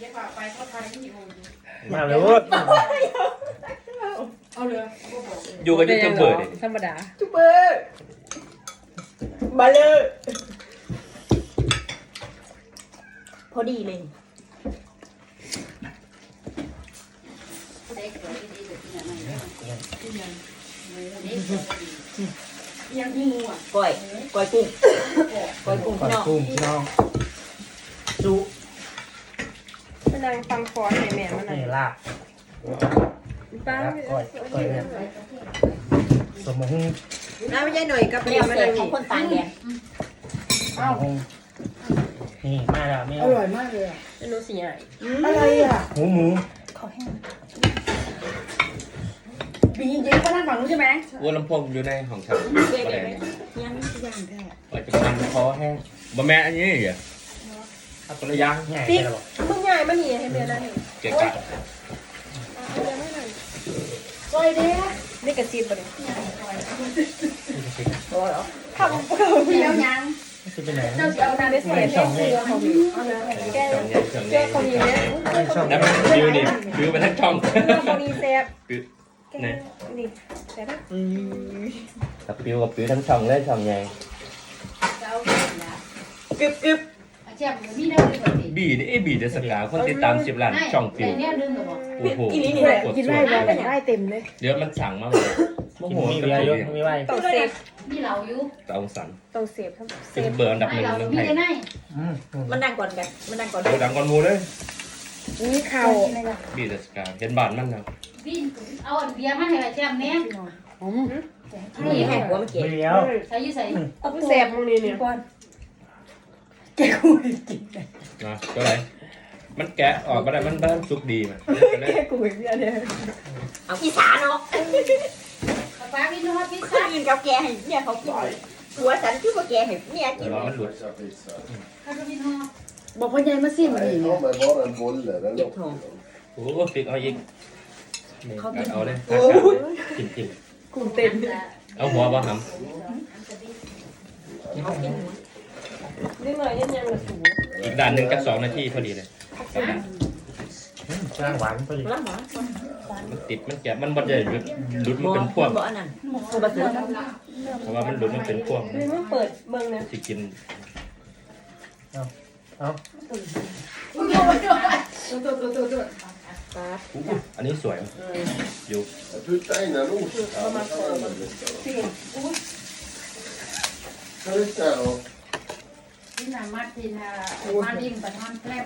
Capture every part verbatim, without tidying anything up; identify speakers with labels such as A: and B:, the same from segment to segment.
A: ดี๋ยวฝากไปเขาทายที่โอ้ย
B: มาเลย
A: เอาเลย
C: อยู่กับยูทูบเบอร์ดิ
D: ธรรมดา
E: ทูบเบอร์มาเลยพอดีเลย
A: ยังงูอ่ะ
E: ก้อยก้อยกุ้งก้อยกุ้ง
B: ก่อน
E: พี่น้อง
B: กุ้งน้องจุ
D: มานั่งฟังฟอนให้แม่มานั่ง
B: นี่ลาบ
D: ป้า
B: ก้อยก้อยเนี่ยสมอง
D: น้าไม่ใช่หน่อยกับ
E: แน
D: เรียว มา
E: เสร็
D: นั่
E: จ
D: ง
E: ของคนต่างแดน
B: สมองนี่มาแล้วไม่
A: อ
B: เอา
A: ร่อยมากเลยอ่ะ
D: ไม่รู้สิใหญ่
A: อะไรอ่ะ
B: หมูหมู
A: ปีเย็นก็นั่งฝั่งนู้นใช่ไหม
C: วัวลำโพงอยู่ในของฉัน
E: เด็ก
C: อะไร
E: ไหม
C: เนี่ย
E: ยังย่างแท้
C: ว่าจะทำคอแห้งบะแม่อันนี้เหรอเอาตัวละอยาง
B: ใหญ่
D: ปิ๊ก
B: ไปแล้ว
D: มึงใหญ่มาหนีให้แม่นั่ง
C: เกะกะ
A: ซอยเด้
D: นี่กระซิบบ่เนี่ย
A: ทำเดียวยัง
B: จะเป็นไหน
A: เจ้าจะเอาน้ำไปใส่
B: เป็น
A: ใน
B: ช่อง
A: เก
B: นี่
A: ลือเขาอยู่เอาเลย
D: แก
C: ช่องใหญ่ช่อง
D: แก
C: ใหญ่
D: เขามีเนี่ย
B: เป็นช่อง
C: แล้วมันฟิวนี่ฟิวไปทั้งช่อง
D: เขามีแซ่บ
C: ฟิว
D: แกนี่แซ่บ
C: กับฟิวกับฟิวทั้งช่องเลยช่องใหญ่
E: กึบกึบ
A: เจ็บมีได้เลยแบบนี้
C: บีนี่ไอ้บีเดสกาคนติดตามสิบล้านช่องฟิว
A: แต่เนี่ยดึงกับบอก
C: โอ้โห
D: กินได้บ่ได้เต็มเลย
C: เดี๋ยวมันสั่งมาเลย
B: โมโหมีเบียร์เยอะมีไว้
D: ต้องเซฟ
A: มีเหล่าอยู่
C: เตาสัน
D: ต้องเซฟทั้งเซ
C: เป็น
D: ฟ
C: เบอร์อันดับห
A: ให้
C: นึ่ง
A: เรา
C: เมือง
A: มี
C: ไทย
A: ได้ไหน
B: อืม
E: มันดังก่อนกันมันดังก่อน
C: โอ้ดังก่อนหมูเลย
D: อุ้ยข่าว
C: บีเดสกาเห็นบ้านมันนะ
A: พี่เอาเบียร์มาให้แจ่มเนี่ย
E: นี่แหกหัวเมื่อกี้
B: เบียร์
A: ใส่ยี่ใส่
D: ต้องแซ่บมึงนี่เนี่ย
C: นะก็ไรมันแกะออกมาได้มันบ้านสุกดีมัน
D: แกกูอีกเนี่ย
E: เอาอีสานเนาะ
A: ป้าพี่นุ่มพี่
E: คน
A: ซ่า
E: อื่นเขาแกให้เนี่ยเขากินหัวฉันคือว่าแกให้เนี่ยกิน
C: ร้อนมันหลุด
A: ข้าวพี่นุ่มบอกพ่อใหญ่มาสิมาดิ
F: Nej, ta mig bara en bolle. Den
E: เก็บทอง
C: โอ้ฟิกเอาอีกเอาเลยจิ้มจิ้ม
D: กูเต็ม
C: เอาหัวบ่ห
D: นี่หน่อยยังยังละสู
C: ำอีกด่านหนึ่งกับสองนาทีพอดีเลยกับด่าน
B: จ้างหวานพอดี
E: แล้วหมอ
C: มันติดมันแกะมันบดใหญ่หลุดหลุดมันเป็นพวง
E: บ่อันนั้นตัวบะเสือ
C: เพราะว่ามันหลุดมันเป็นพวง
D: นี่มึงเปิดเมืองนะ
C: ที่กิน
B: เอา
A: ตัวตัวตัวตัวตัว
C: อันนี้สวยอยู่
F: Jag puttar in en ost. Ja, men ta den lite. Ta lite och
A: ที่นามาตินามาดิมปันมันแกล้ม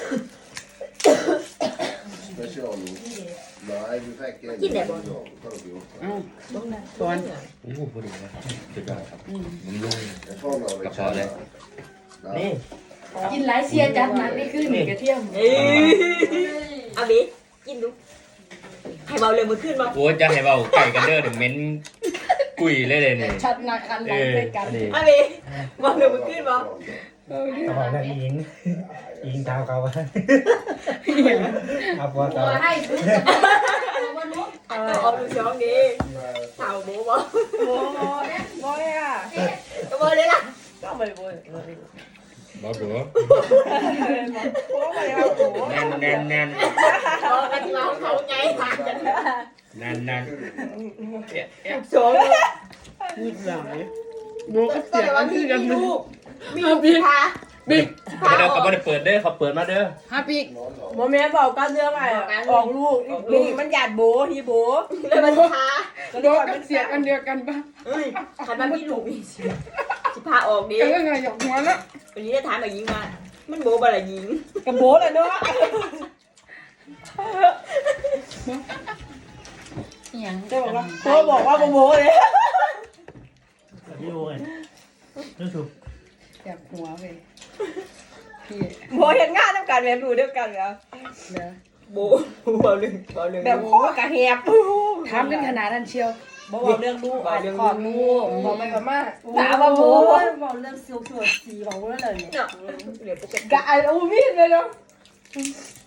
F: specialost. Nej, vi fick en.
E: Gillar jag bara.
F: Ta det ihop.
D: ก่อน
C: โอ้โหพอดีเลยสุดยอดครับมันลุ่ง
F: Jag tar några
C: กระเพาะเลย
B: นี่
A: กินหลายเสียจัดมันนี่ขึ้นกระเทียม
E: เอ้ยอาบิกินดูให้เบาเลยมือขึ้นบ่
C: โอ้จะให้เบาไก่กันเด้อเดี๋ยวเม้นกุยเลยเลยเนี่ย
A: ชัดนักกัน
C: เอ
A: ลอง
C: อ
A: ไปกัน
C: นี่
E: อาบิเบาเลยมือขึ้นบ่
B: กระเพาะนั่นอิงอิงเท้าเขาเอาพอ
A: ตั
B: เท้าว
A: ให้ดูวันนู้น
E: เอาเอาดูช่องดีเต่าหมูบ่
D: โอ้ยบ่อยอ่ะ
E: ก็บ่เลยล่ะ
D: ก็ไม่บ่อย
C: บอกดู
D: โอ้ยเอาโอ้
C: แน่นแน่นแน่น
E: บ่กันที่ว่าเขาไงทานกัน
C: แน่นแน่น
E: ช่อง
D: พูดหลายโบก็
E: ก็
D: เสีย
E: แต่ว่า
D: ง
E: มี
D: คือกัน
E: ลูกมีลูกพา
C: บิ๊กเขาเด้อเขาไม่ได้เปิดเด้อเขาเปิดมาเด้อ
A: ฮาปิก
D: โมแม่บอกกันเรื่องอะไรออกลูกนี่มันหยาดโบที่โบ
E: เลยมันพา
A: โดนกันเสียกันเดียวกันปะ
E: เอ้ยคันมันมีลูกมีสิสิพาออกดิ
A: เออไงหยอกหัวละ
E: วันนี้จะถามมายิงมามันโบบ่ล่ะยิง
D: กับโบเลยเนาะ
A: อย่าง
D: จะบอกว่าโบบอกว่าโบเลย
B: พี่โอ้ยรู้สึก
A: แอบหัวไปพี่
D: โบเห็นงานต้องการแบบดูเดียวกันเหรอ
A: เดี๋ยว
E: โบเบาหนึ่งเบาหนึ่ง
D: แบบโคกระแหบ
A: ถามกันขนาดนั้นเชียว
D: บอกเรื่องลูกอ่านขอดลูก
A: บอกไปกับมา
D: ถามว่าโบ
A: บอกเรื่องซิลสวดสีของแล้วเลยเนี่ย
E: เนาะเดี๋ยวปกติ
A: กะไอ้อูมีดเลยเนาะ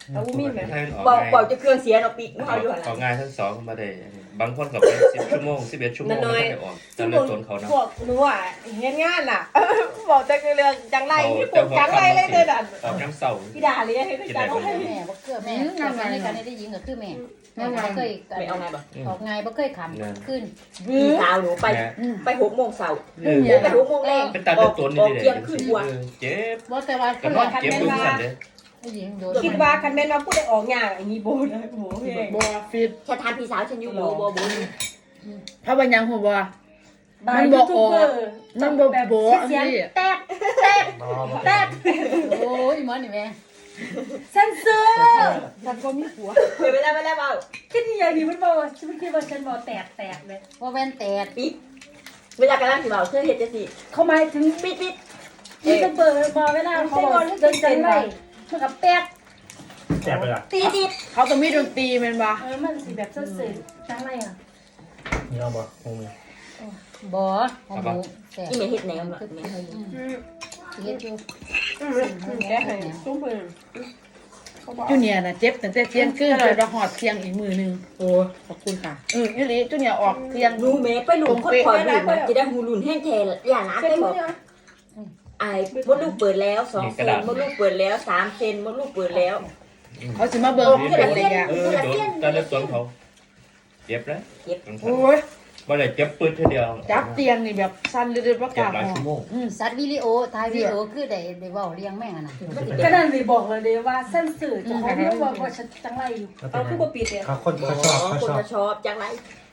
D: เอาอุ้มมีไหม
C: ให้มันออก
E: บอก
C: ง่าย
E: บอกจะเครื่องเสียเนาะปีกเขาอยู่หั่น
C: เขา
E: ล่ะ
C: ง่ายทั้งสองมาได้บางคนก็ไปสิบชั่วโมงสิบเอ็ดชั่วโมงไม่ได้ออกแต่เลือดต้นเขานะ
D: พวกหนูอ่ะเฮ็ดงานอ่ะ บอกแต่เรื่องจังไรนี่ปวดจังไรเลยเด้อดัน
C: ออกน้ำเสา
D: พี่ดาเลยให้จังไร
A: แม่บ่เกือแม่งานในการได้ยิงก็คือแม่แม่บ่เคย
E: ไม่เอาไงบ่
A: ออกไงบ่เคยขำขึ้น
E: พี่สาวหนูไปไปหกโมงเช้า
C: เออ
E: ไปหกโมงแรก
C: เป็นตา
E: อ
C: เลื
E: อ
C: อก ดต้น
E: อ
C: นี่
E: อก
C: ดิ
E: เที่ยงคืนกว่า
C: เจ็บ
A: บ่แต่ว่า
C: ก็นอนเจ็บดูสั่นเลย
A: ได้ยิงโดน
D: คิดว่าคันแม่นว่าผู้ใดออกงานอันนี้โบนะโบเฮ้ย
B: บัวฟิต
E: ฉันทานพี่สาวฉันอยู่บ่บ่บ่
B: เพราะว่ายังหัวบัว
D: บางยูทูบเบอร์
B: มันบ่โบอัน
D: เสียง
B: นี้
D: แตกแตกแตก
A: โอ้ยหมอนี่แม่
D: เซนเซอร์ฉันก็มีผัว
E: เดี๋ยวไปแล้วไปแล้วเปล่า
D: คิดที่อย่างนี้มันบอกว่าฉันไม่คิดว่าฉันบอกแตกแตกเลย
A: ว่าแว่นแตก
E: ปิดเวลากำลังสิเบาเสื้อเฮ็ดจังซี่
D: เขาหมายถึง
E: ปิดปิด
D: ยูทูบเบอร์บอกเวลาเขาบอกเดินเส้นไรเท่ากับแตก
B: แสบไปละ
E: ตีติด
B: เขาต้องมีดนตรีแม่นบ่
D: เออมันสิแบบเสื่อจังไรอ่ะ
B: นี่เอาบ่คงมี
A: บ่หอมหมูแตก
E: อีเมลเฮ็ดแนวล่ะแม่
A: เฮ็ดอยู่
D: แกให้ซุ้มเพิ่น
B: จูเนียร์น่ะเจ็บตั้งแต่เที่ยงคืนจนว่าฮอดเที่ยงอีกมื้อนึงโอ้ขอบคุณค่ะเอออีหลีจูเนียร์ออกเที่ยง
E: หนูแม่ไปหลุมคนคอยหลุมจะได้หูหลุนแห้งแทนอย่าล้างได้บอกไอ้มดลูกเปิดแล้วสองเซนมดลูกเปิดแล้วสามเซนมดลูกเปิดแล้ว
B: เขาสิมาเบิ่งเป็นระยะ
C: เออโดนตาเลือดต้นเขาเจ็บแล้ว
B: โอ้ย
C: บ่ได้เจ็บปืดทีเดียว
B: จับเตียงนี่แบบสั่นเรื่อยๆบ่ก
C: เจ็บ
B: ล้า
C: หลาย
B: หอ
C: ชั่วโมง
A: อืมสัตว์วิดีโอถ่ายวิดีโอคือได้ได้เว้าเลี้ยงแม่งอ่ะนะ
D: ก็นั่นเลยบอกเลยว่าเส้นสื่อจะเขาไม่บอกว่าฉันจังไรอยู่เอาคือบ่ปิดเลย
G: เขาคน
E: อ๋
G: เขาชอบ
E: อ
G: เขา
E: คน
G: ชอบ
E: จะชอบจังไร